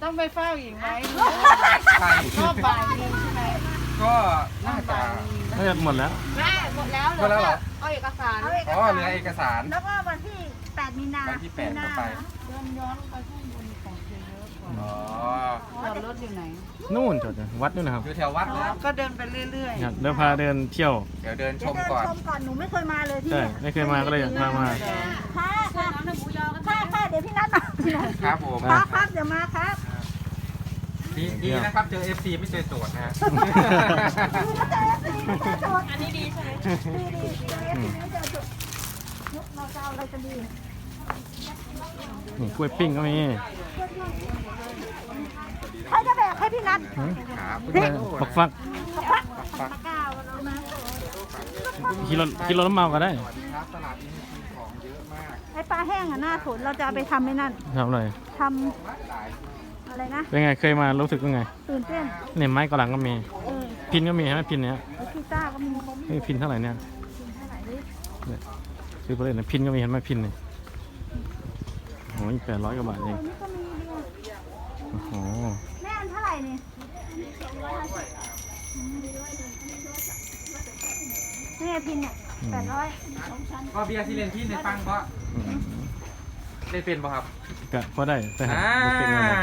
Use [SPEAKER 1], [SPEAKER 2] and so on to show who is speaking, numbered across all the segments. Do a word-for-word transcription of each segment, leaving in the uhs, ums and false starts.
[SPEAKER 1] ต้องไปเฝ้าอีกไหม
[SPEAKER 2] ใช่
[SPEAKER 1] รอบบ่ายนึงใช่ไหม
[SPEAKER 2] ก็น่าจะ
[SPEAKER 3] น่าจะหมดแล้ว
[SPEAKER 4] แม่หมดแล้ว
[SPEAKER 2] หมดแล้วเหรอ
[SPEAKER 4] เอาเอกสาร
[SPEAKER 2] อ๋อเหลือเอกสาร
[SPEAKER 5] แล้วก็วันที่แปดมีนา
[SPEAKER 2] วันที่แปดก็ไป
[SPEAKER 1] เดินย้อนไปข้างบนของเยอะกว่า
[SPEAKER 2] อ๋อ
[SPEAKER 1] จอดรถอยู่ไหน
[SPEAKER 3] นู่นจอดวัดนู่นนะครับ
[SPEAKER 2] อยู่แถววัดนะ
[SPEAKER 1] ก็เดินไปเรื่อย
[SPEAKER 3] ครับเดี๋ยวพาเดินเที่ยว
[SPEAKER 2] เดี๋ยวเดินช
[SPEAKER 5] เดี๋ยว
[SPEAKER 2] ม
[SPEAKER 5] เดิน
[SPEAKER 2] ก่อน
[SPEAKER 5] ชมก่อนหนูไม่เคยมาเลยที่
[SPEAKER 3] ใช่
[SPEAKER 5] เนี่ย
[SPEAKER 3] ไม่เคยมาก็เลยพามา
[SPEAKER 5] ค่ะค่ะค่ะค่ะเดี๋ยวพี่นัทมาพี่นัท
[SPEAKER 2] ครับผม
[SPEAKER 5] ครับครับเดี๋ยวมาครับ
[SPEAKER 2] ดีดีนะครับเจอ เอฟ ซี ไม่เจอโจทย์นะฮะ
[SPEAKER 5] ดีนะเจอสีไม่เจอโจทย์
[SPEAKER 4] อันนี้ดีใช่ไหม
[SPEAKER 5] ดีดีดีไม่เจอโจทย์เราจะเอาอะไรกันดี
[SPEAKER 3] นี่กล้วยปิ้งก็มี
[SPEAKER 5] ใครจะแบกให้พี่นัท
[SPEAKER 3] หืม
[SPEAKER 2] ครับ
[SPEAKER 3] ปักฟัก
[SPEAKER 2] ปัก
[SPEAKER 5] ก้าวเรามา
[SPEAKER 3] ขี่รถขี่รถน้ำเมาก็ได้
[SPEAKER 2] สวัสดีครับตลาดนี้มีของเยอะมาก
[SPEAKER 5] ไอ้ปลาแห้งอ่ะหน้าสนเราจะเอาไปทำไอ้นั่น
[SPEAKER 3] ทำอะไร
[SPEAKER 5] ทำ
[SPEAKER 2] หลาย
[SPEAKER 5] อะไรนะ
[SPEAKER 3] เป็นไงเคยมารู้สึกเป็นไง
[SPEAKER 5] ตื่นเต้น
[SPEAKER 3] เนี่ยไม้กระหลังก็มี
[SPEAKER 5] เออ
[SPEAKER 3] พินก็มีใช่ไหมพินเนี้ย
[SPEAKER 5] แล้วกีตาร์ก็มี
[SPEAKER 3] นี่พินเท่าไหร่เนี่ย
[SPEAKER 5] เท่าไหร่ดิ
[SPEAKER 3] เนี่ยซื้อไปเลยนะพินก็มีเห็นไหมพินเนี่ยโอ้ยแปดร้อยกว่าบาทเอง
[SPEAKER 5] ตัวนี้ก็มีดี
[SPEAKER 3] โอ้โห
[SPEAKER 5] แม่อันเท่าไหร่นี่แม่พินเนี่ยแปดร้อย
[SPEAKER 2] ก็เบียร์ที่เรียนที่ในฟังก็
[SPEAKER 3] อืม
[SPEAKER 2] ได้เป็นป่ะครับ
[SPEAKER 3] กะพอได้แต่หา
[SPEAKER 2] อ่า
[SPEAKER 3] บ่เป็นเงินหรอก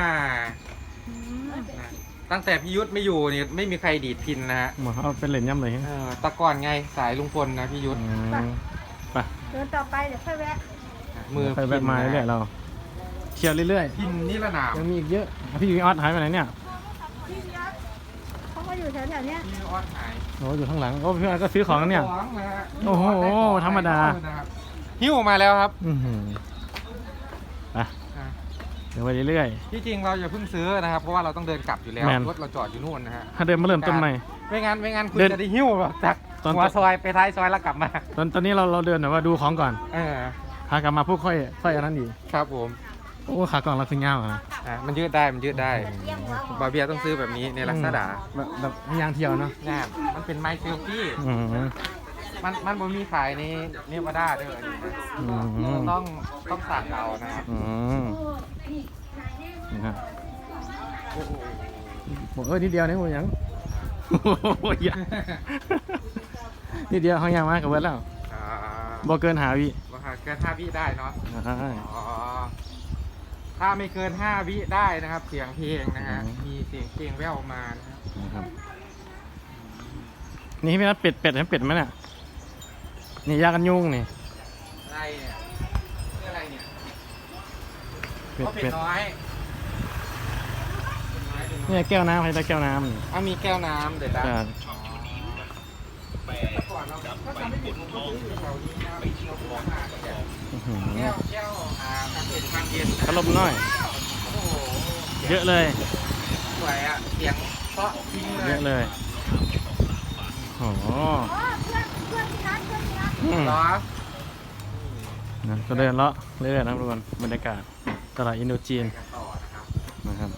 [SPEAKER 2] ตั้งแต่พี่ยุทธไม่อยู่เนี่ยไม่มีใครดีดพินนะฮะ
[SPEAKER 3] หมอเอาเป็นเหรียญย่ำเลยฮะ
[SPEAKER 2] เออแตะก่อนไงสายลุงพลนะพี่ยุทธ
[SPEAKER 3] อืมไป
[SPEAKER 5] เดินต่อไปเดี๋ยวค่อยแวะ
[SPEAKER 2] มือ
[SPEAKER 3] ไปแวะมาเรื่อยๆเราเที่ยวเรื่อย
[SPEAKER 2] พินนี่ระนาม
[SPEAKER 3] ๆยังมีอีกเยอะอ่ะพี่วิออสหายไปไหนเนี่ย
[SPEAKER 5] พี่ยักษ์เขาก็อยู่แถวๆเนี้ย
[SPEAKER 2] พี่ออดหาย
[SPEAKER 3] โอ้อยู่ข้างหลังโอ้พี่วิออสก็ซื้อของกันเนี่ย
[SPEAKER 2] ของนะฮะ
[SPEAKER 3] โอ้โหธรรมดา
[SPEAKER 2] หิ้วมาแล้วครับ
[SPEAKER 3] อือหือไป
[SPEAKER 2] อ่ะ
[SPEAKER 3] เดี๋ยวไปเรื่อย
[SPEAKER 2] ที่จริงเราอย่าเพิ่งซื้อนะครับ เพราะว่าเราต้องเดินกลับอยู่แล้ว
[SPEAKER 3] แม่น
[SPEAKER 2] รถเราจอดอยู่นู่นนะฮะ
[SPEAKER 3] ๆถ้าเดินมาเริ่มต้นใหม่
[SPEAKER 2] ไม่งั้นไม่งั้นคุณ
[SPEAKER 3] เดิน
[SPEAKER 2] จะได้หิ้วแบบจาก
[SPEAKER 3] ตอน
[SPEAKER 2] หัวซอยไปท้ายซอยแล้วกลับมา
[SPEAKER 3] ตอนตอนนี้เราเราเดินแบบว่าดูของก่อน
[SPEAKER 2] เออ
[SPEAKER 3] พากลับมาพูดค่อยค่อยอันนั้นดีก
[SPEAKER 2] ครับผม
[SPEAKER 3] โอ้ขากล่องเราคือเงาอ่ะ
[SPEAKER 2] อ่ะมันยืดได้มันยืดได้บาเบียต้องซื้อแบบนี้ในลักษณะ
[SPEAKER 3] แบบแบบให้ยางเที่ยวเนาะ
[SPEAKER 2] งานมันเป็นไมค์เซลฟี่
[SPEAKER 3] อืม
[SPEAKER 2] มันมันบ่มีขายในเนวาดาเด้ออันนี้นะ
[SPEAKER 3] อืม
[SPEAKER 2] ต้องต้องสั่งเอานะครับ
[SPEAKER 3] อืมนี่ฮะ
[SPEAKER 2] โอ้โห
[SPEAKER 3] บอกเออนิดเดียวนี่หมดยังโอ้ยอย่านิดเดียวเขายางมากกับเบิร์ดแล้ว
[SPEAKER 2] อ่า
[SPEAKER 3] บ่เกินหาวิ
[SPEAKER 2] ว่าเกินห้าวิได้เนาะ
[SPEAKER 3] อ่า
[SPEAKER 2] อ๋อถ้าไม่เกินห้าวิได้นะครับ เสียงเพลงนะฮะมีเสียงเพลงแว่วมานะครับ
[SPEAKER 3] นะครับนี่พี่นัทเป็ดเป็ดให้เป็ดไหมเนี่ยนี่ยากันยุงนี่
[SPEAKER 2] อะไรเนี่ยเรื่องอะไรเนี่ย
[SPEAKER 3] เป็ด
[SPEAKER 2] เขาเป็
[SPEAKER 3] เป็
[SPEAKER 2] ด
[SPEAKER 3] ด
[SPEAKER 2] น้อย
[SPEAKER 3] เนี่ยแก้วน้ำใครได้แก้วน้ำนี่
[SPEAKER 2] อ่ะมีแก้วน้ำเดี๋ยวนะ
[SPEAKER 3] จ้ะ
[SPEAKER 2] แต่ก่อนเราก็จำไม่ผิดผมก็ซื้ออยู่แถวนี้นะเราพวกมาแก้ว
[SPEAKER 3] อื้อหือ
[SPEAKER 2] แก้วแก้วอ่าทางเป็นทางเย็น
[SPEAKER 3] ขลมน้อย
[SPEAKER 2] โอ้โห
[SPEAKER 3] เยอะเลย
[SPEAKER 2] สวยอ่ะเสียงเพราะจริงเล
[SPEAKER 3] เย
[SPEAKER 2] ย
[SPEAKER 3] อะเลยโอ้โห
[SPEAKER 5] อ๋อเพื่อนเพื่อนพี่นัทเพื่อนพี่นัท
[SPEAKER 3] อืม
[SPEAKER 2] เหรอ
[SPEAKER 3] นะก็เดินเลาะเรื่อยๆนะครับทุกคนบรรยากาศตลาดอินโดจีน
[SPEAKER 2] กันต่อนะครับ
[SPEAKER 3] นะครับ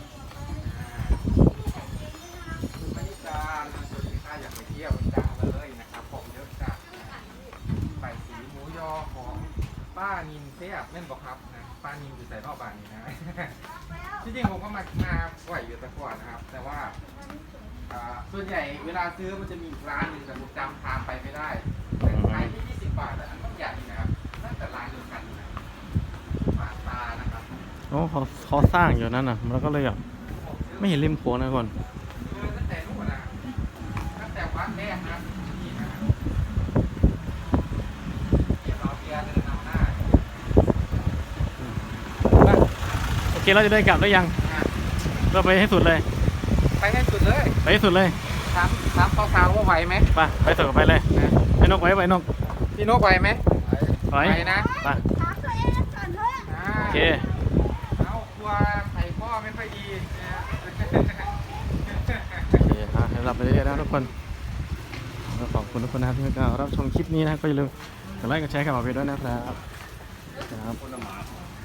[SPEAKER 2] บรรยากาศส่วนที่ข้าอยากไปเที่ยวจังเลยนะครับผมเยอะจัดไปสีหมูยอของป้านินเทียบแม่นบอกครับนะป้านินอยู่ใส่รอบบ้านนี้นะที่จริงผมก็มามาบ่อยอยู่แต่ก่อนนะครับ แต่ว่าอ่าส่วนใหญ่เวลาซื้อมันจะมีอีกร้านหนึ่งแต่ผมจำทางไปไม่ได้แต่ขายที่ยี่สิบบาทแต่อันนี้ใหญ่นะครับน่าจะร้านเดียวกันนะปาดตานะครับ
[SPEAKER 3] โอ้เขาเขาสร้างอยู่นั่นน่ะแล้วก็เลยแบบไม่เห็นริมโขงนะทุกคน
[SPEAKER 2] คือตั้งแต่นู่นนะตั้งแต่วัดแรกนะนี่นะเดี๋ยวเราเบียร์เดินนำหน้า
[SPEAKER 3] โอเคเราจะเดินกลับได้ยัง
[SPEAKER 2] อ่ะ
[SPEAKER 3] เราไปให้สุดเลย
[SPEAKER 2] ไปให้สุดเลย
[SPEAKER 3] ไปให้สุดเลย
[SPEAKER 2] ถามถามสาวๆว่าไหวไหม
[SPEAKER 3] ไปไปสุดไปเลย
[SPEAKER 2] นะ
[SPEAKER 3] ไอ้นกไว้ไว้นก
[SPEAKER 2] พี่นกไหวไหม
[SPEAKER 3] ไว้
[SPEAKER 2] นะ
[SPEAKER 3] ไป
[SPEAKER 5] ถามตัวเองก่อนเถอะ
[SPEAKER 2] อ่า
[SPEAKER 3] โอเค
[SPEAKER 2] เอากลัวไข่พ่อไม่ค่อยดีนะ
[SPEAKER 3] โอเคอ่ะให้เราไปเรื่อยๆนะทุกคนก็ขอบคุณทุกคนนะครับที่มารับชมคลิปนี้นะครับก็อย่าลืมกดไลค์กดแชร์กับเราไปด้วยนะครับครับ